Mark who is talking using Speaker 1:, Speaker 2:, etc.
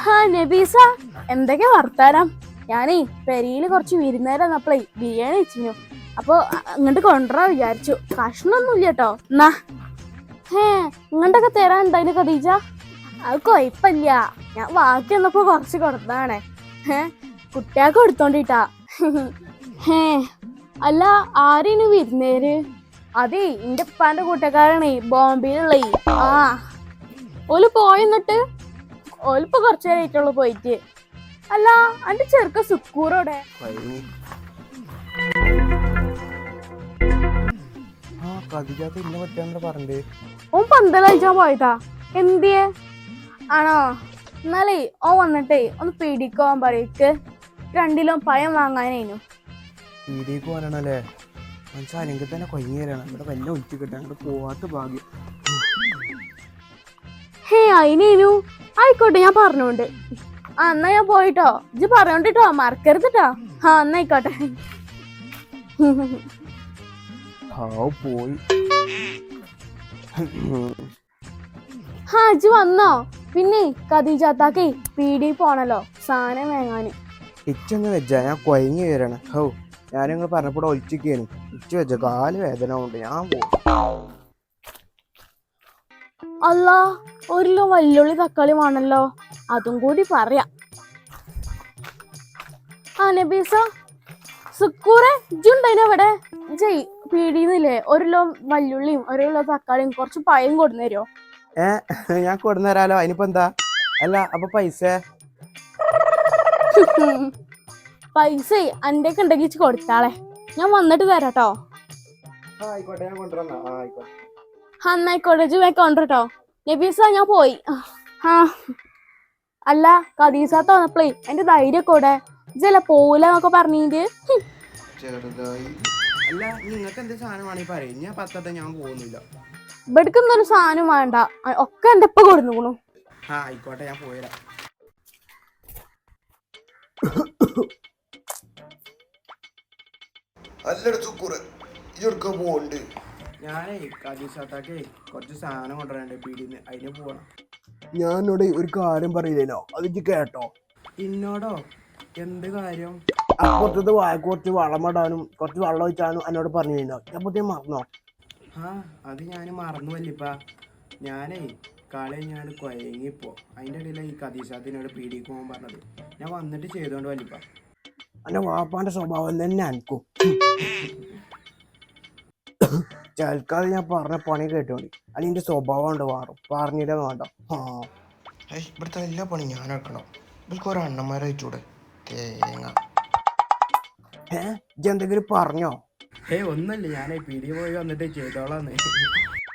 Speaker 1: നബീസ, എന്തൊക്കെ വർത്താനം? ഞാനേ പെരിയില് കുറച്ച് വിരുന്നേരം വന്നപ്പോഴേ ബിരിയാണി വെച്ചിരുന്നു. അപ്പൊ ഇങ്ങോട്ട് കൊണ്ടുവരാൻ വിചാരിച്ചു. കഷ്ണൊന്നുമില്ല കേട്ടോ. എന്നാ ഇങ്ങോട്ടൊക്കെ തരാൻ ഉണ്ടായിന് ഖദീജ. അത് കൊഴപ്പില്ല, ഞാൻ ബാക്കി വന്നപ്പോ കുറച്ച് കൊടുത്തതാണേ. കുട്ടികൾക്ക് കൊടുത്തോണ്ടിട്ടാ. അല്ല, ആരേനു വിരുന്നേര്? അതേ എന്റെ ഉപ്പാന്റെ കൂട്ടക്കാരാണേ, ബോംബെയിലുള്ളേ. ഓല് പോയെന്നിട്ട് ഓലിപ്പോ കുറച്ചു നേരമായിട്ടുള്ളൂ പോയിട്ട്. അല്ല, അന്റെ ചെറുക്ക സുക്കൂറോടെ? ഓൻ പന്തലഴിച്ചാൻ പോയതാ. എന്തിയെ ആണോ? എന്നാലേ ഓൻ വന്നിട്ടേ ഒന്ന് പീടിക്കോൻ പറയ്ക്ക്. 2 കിലോ പഴം വാങ്ങാനേനു.
Speaker 2: പീടിക്ക് പോകാനാണല്ലേ? മനസ്സാലെങ്കിൽ തന്നെ കൊയ്യേറാണ്. ഇവിടെ വല്ല ഒഴിച്ചു കിട്ടാൻ പോവാത്ത ഭാഗ്യം.
Speaker 1: അയിനേനു ആയിക്കോട്ടെ, ഞാൻ പറഞ്ഞോണ്ട്. എന്നാ ഞാൻ പോയിട്ടോ. ഇജ്ജ് പറഞ്ഞോണ്ടിട്ടോ, മറക്കരുതിട്ടോ. എന്നായിക്കോട്ടെ.
Speaker 2: പോയി.
Speaker 1: ഇജ്ജ് വന്നോ? പിന്നെ ഖദീജാത്താക്കേ പീടി പോണല്ലോ സാധനം വാങ്ങാന്.
Speaker 2: ഇച്ചൊന്ന് വെച്ചാ ഞാൻ കൊയങ്ങി വരണം. ഞാനിങ്ങൾ പറഞ്ഞപ്പോൾ ഒളിച്ചിക്കാണ്. ഇച്ച വെച്ച കാല് വേദന കൊണ്ട് ഞാൻ പോകും.
Speaker 1: അല്ല, 1 കിലോ വല്ലുള്ളി തക്കാളി വേണല്ലോ, അതും കൂടി പറയാം. നബീസ, സുക്കൂറെ ഇജ്ജുണ്ടതിന് അവിടെ? ജയ് പീടിന്നില്ലേ 1 കിലോ വല്ലുള്ളിയും 1 കിലോ തക്കാളിയും കുറച്ച് പഴം കൊടുന്നേരോ?
Speaker 2: ഞാൻ കൊടുന്നേരാലോ, അതിനിപ്പോ എന്താ? അല്ല, അപ്പൊ പൈസ
Speaker 1: അന്റെ ഒക്കെ ഉണ്ടെങ്കിൽ കൊടുത്താളെ, ഞാൻ വന്നിട്ട് തരാട്ടോ.
Speaker 2: ആയിക്കോട്ടെ, ഞാൻ കൊണ്ടുവരാം.
Speaker 1: എന്നായിക്കോട്ടെ, ഇജ്ജ് കൊണ്ടോ. നബീസ, ഞാൻ പോയി. അല്ല, ഖദീസാത്ത വന്നപ്പോഴേ എന്റെ ധൈര്യം കൂടെ ഇജ്ജല്ല പോവൂലെന്നൊക്കെ പറഞ്ഞിട്ട്.
Speaker 2: ചെറുതായി. അല്ല, നിങ്ങൾക്ക് എന്ത് സാധനമാണെങ്കിൽ പറയും, ഞാൻ പത്തത്തെ ഞാൻ പോകുന്നില്ല.
Speaker 1: ഇവിടക്കൊന്നൊരു സാധനം വേണ്ട, ഒക്കെ എന്റെ ഇപ്പൊ കൊടുന്നു.
Speaker 2: ആയിക്കോട്ടെ, ഞാൻ പോയിരാ. ഞാനേ ഖദീജാത്താക്കേ കുറച്ച് സാധനം കൊണ്ടുവരണ്ടേ പീടിന്ന്, അതിന് പോവാണ്. ഞാനോട് ഒരു കാര്യം പറയില്ലേനോ, അത് കേട്ടോ? എന്നോടോ? എന്ത് കാര്യം? അപ്പുറത്തത് കുറച്ച് വളമിടാനും കുറച്ച് വെള്ളം ഒഴിച്ചാനും എന്നോട് പറഞ്ഞിരുന്നോ? ഞാൻ മറന്നോ? അത് ഞാൻ മറന്നു വല്ലിപ്പ. ഞാനേ കളി ഞാൻ കൊയങ്ങിപ്പോ. അതിൻ്റെ ഇടയിൽ ഈ ഖദീജാത്തിനോട് പീടിക്ക് പോകാൻ പറഞ്ഞത്. ഞാൻ വന്നിട്ട് ചെയ്തോണ്ട് വല്ലിപ്പ. എൻ്റെ വാപ്പാന്റെ സ്വഭാവം തന്നെ അനക്കും. ചൽക്കാതെ ഞാൻ പറഞ്ഞ പണി കേട്ടോണ്ടി, അതിൻ്റെ സ്വഭാവം ഉണ്ട് മാറും. പറഞ്ഞില്ല വേണ്ട. ഇവിടുത്തെ എല്ലാ പണി ഞാൻ എടുക്കണം. ഇവർക്ക് ഓരോ അണ്ണന്മാരെ അയച്ചൂടെ? തേങ്ങ. ഇജ്ജെന്തെങ്കിലും പറഞ്ഞോ? ഒന്നല്ലേ, ഞാൻ പീടി പോയി വന്നിട്ട് ചെയ്തോളാന്ന്.